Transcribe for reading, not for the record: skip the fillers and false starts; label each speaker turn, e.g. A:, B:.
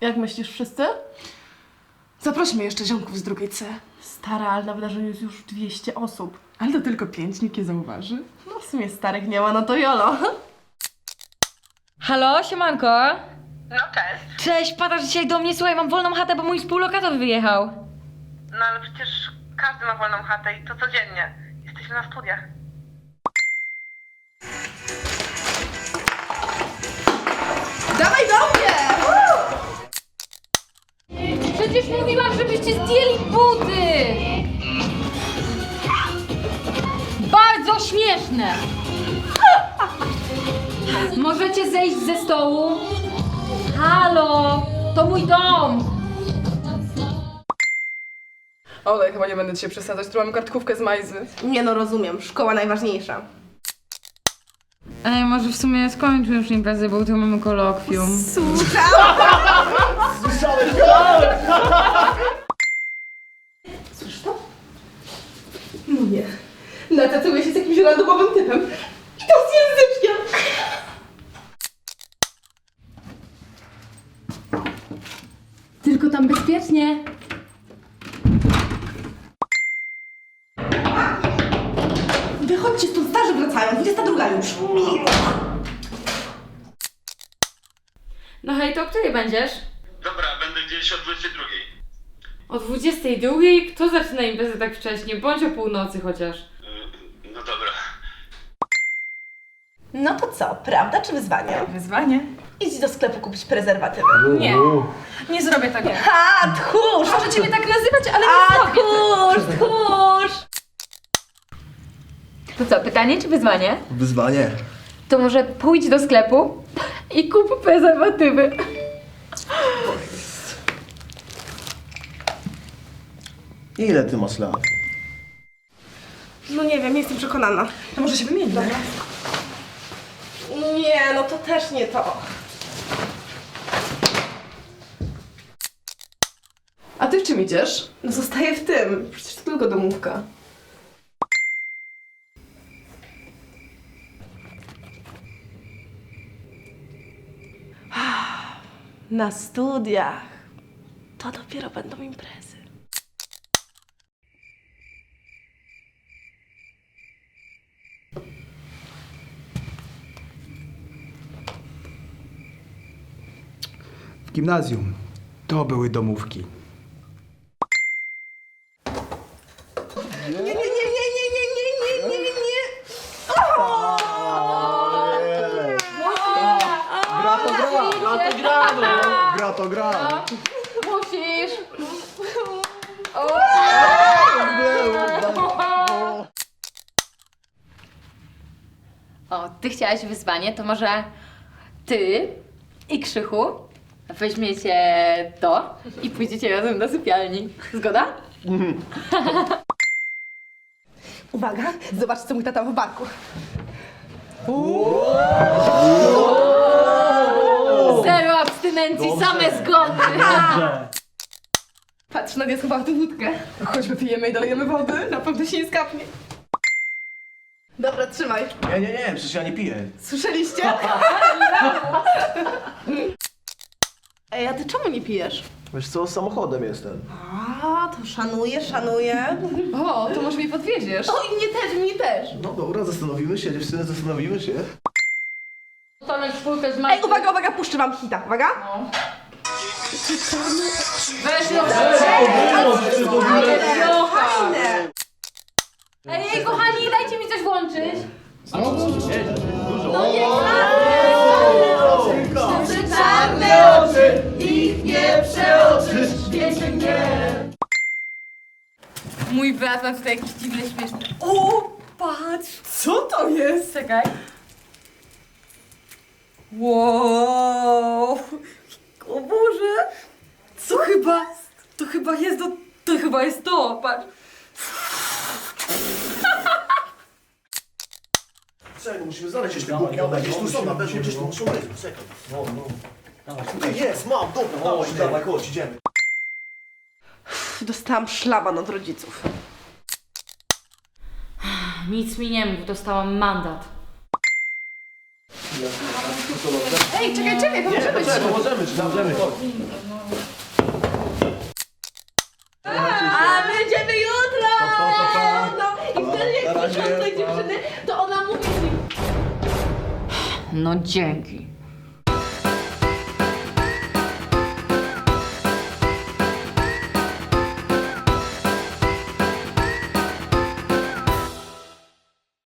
A: Jak myślisz, wszyscy?
B: Zaprośmy jeszcze ziomków z drugiej C.
A: Stara, ale na wydarzeniu jest już 200 osób.
B: Ale to tylko 5, nikt nie zauważy.
A: No w sumie starych nie ma, no to jolo.
C: Halo, siemanko.
D: No cześć.
C: Cześć, padasz dzisiaj do mnie, słuchaj, mam wolną chatę, bo mój współlokator wyjechał.
D: No ale przecież każdy ma wolną chatę i to codziennie. Jesteśmy na studiach.
A: Dawaj do mnie!
C: Przecież mówiłam, żebyście zdjęli buty! Bardzo śmieszne! Możecie zejść ze stołu? Halo, to mój dom!
B: Ole, chyba nie będę dzisiaj przesadzać, tu mam kartkówkę z Majzy.
A: Nie no, rozumiem. Szkoła najważniejsza.
C: Ej, może w sumie skończmy już imprezę, bo jutro mamy kolokwium.
A: Słyszysz to? No nie. Nacacuję się z jakimś randomowym typem. I to z języczkiem.
C: Tylko tam bezpiecznie.
A: Wychodźcie stąd, starzy wracają. 22 już.
C: No hej, to o której będziesz?
E: Dobra, będę gdzieś o 22.
C: O 22? Kto zaczyna imprezę tak wcześnie? Bądź o północy chociaż.
E: No dobra.
A: No to co, prawda czy wyzwanie?
B: Wyzwanie.
A: Idź do sklepu kupić prezerwatywy.
C: Nie, nie zrobię tego.
A: A, tchórz!
C: Możecie mnie tak nazywać, ale
A: A,
C: nie zrobię tego.
A: tchórz, tchórz!
C: To co, pytanie czy wyzwanie?
F: Wyzwanie.
C: To może pójdź do sklepu i kup prezerwatywy.
F: Ile ty masz lat?
A: No nie wiem, nie jestem przekonana.
B: To może się wymienić.
A: Nie, no to też nie to.
B: A ty w czym idziesz?
A: No zostaję w tym. Przecież to tylko domówka. Na studiach to dopiero będą imprezy.
G: W gimnazjum to były domówki.
A: Nie, nie, nie, nie, nie, nie, nie, nie, nie, nie.
F: Gra to gra! Gra to gra! No. Gra to gra!
C: Musisz. O, ty chciałaś wyzwanie, to może ty i Krzychu weźmiecie to i pójdziecie razem do sypialni. Zgoda?
A: Uwaga, zobaczcie co mój tata w barku.
C: Zero abstynencji, same zgody.
A: Patrz, Nadia schowała tę wódkę.
B: Chodźmy, pijemy i dolejemy wody, na pewno się nie skapnie.
A: Dobra, trzymaj.
F: Nie, przecież ja nie piję.
A: Słyszeliście? Ej, a ty czemu nie pijesz?
F: Wiesz co, samochodem jestem.
A: A, to szanuję, szanuję.
B: O, to może mnie podwieziesz.
A: O, i mnie też.
F: No dobra, zastanowimy się, dziewczyny, zastanowimy się.
C: To na czwórkę z
A: Ej, uwaga, uwaga, puszczę wam hita, uwaga.
C: Weź
A: Fajne.
C: Ej, kochani, dajcie mi coś włączyć.
A: Czarne oczy, ich nie przeoczysz, wiecie mnie.
C: Mój brat ma tutaj jakiś dziwny, śmieszny. O, patrz!
B: Co to jest?
C: Czekaj.
B: Wow! O Boże! Co chyba? To chyba jest to chyba jest to, patrz.
F: Czekaj, musimy znaleźć jeszcze bułki, one gdzieś tu są, na pewno gdzieś tu muszą być, czekaj. Tutaj jest, mam, dobra, dawaj, chodź, idziemy.
A: Dostałam szlaban od rodziców.
C: Nic mi nie mów, dostałam mandat.
A: Ej, czekaj, pomożemy ci.
F: Możemy.
A: A będziemy jutro! No i wtedy jak spotkam tej dziewczyny, to ona mówi mi...
C: No dzięki.